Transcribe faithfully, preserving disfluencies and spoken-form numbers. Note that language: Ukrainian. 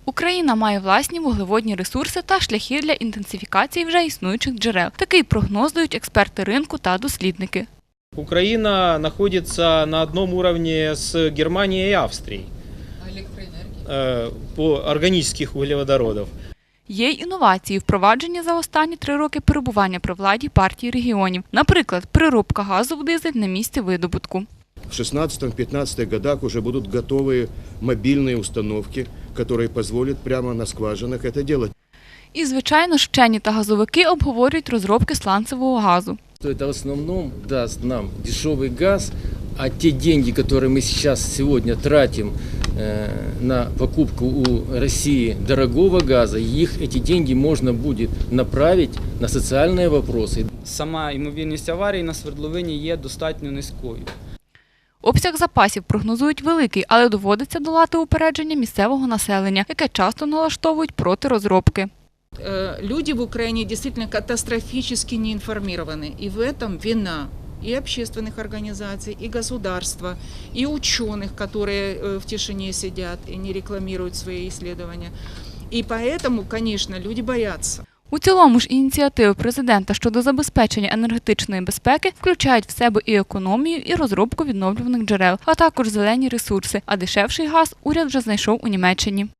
Україна має власні вуглеводні ресурси та шляхи для інтенсифікації вже існуючих джерел. Такий прогноз дають експерти ринку та дослідники. Украина находится на одном уровне с Германией и Австрией э, по органических углеводородов. Є й інновації, впроваджені за останні три роки перебування при владі партії регіонів. Наприклад, переробка газу в дизель на місці видобутку. В шестнадцатом-пятнадцатых годах уже будут готовые мобильные установки, которые позволят прямо на скважинах это делать. І, звичайно, ж, вчені та газовики обговорюють розробки сланцевого газу. Это в основном даст нам дешевый газ, а те деньги, которые мы сейчас сегодня тратим э, на покупку у России дорогого газа, их эти деньги можно будет направить на социальные вопросы. Сама ймовірність аварії на свердловині є достатньо низькою. Обсяг запасів прогнозують великий, але доводиться долати упередження місцевого населення, яке часто налаштовують проти розробки. Люди в Украине действительно катастрофически не информированы. И в этом вина и общественных организаций, и государства, и ученых, которые в тишине сидят и не рекламируют свои исследования. И поэтому, конечно, люди боятся. У цілому ж ініціативи президента щодо забезпечення енергетичної безпеки включають в себе і економію, і розробку відновлюваних джерел, а також зелені ресурси, а дешевший газ уряд вже знайшов у Німеччині.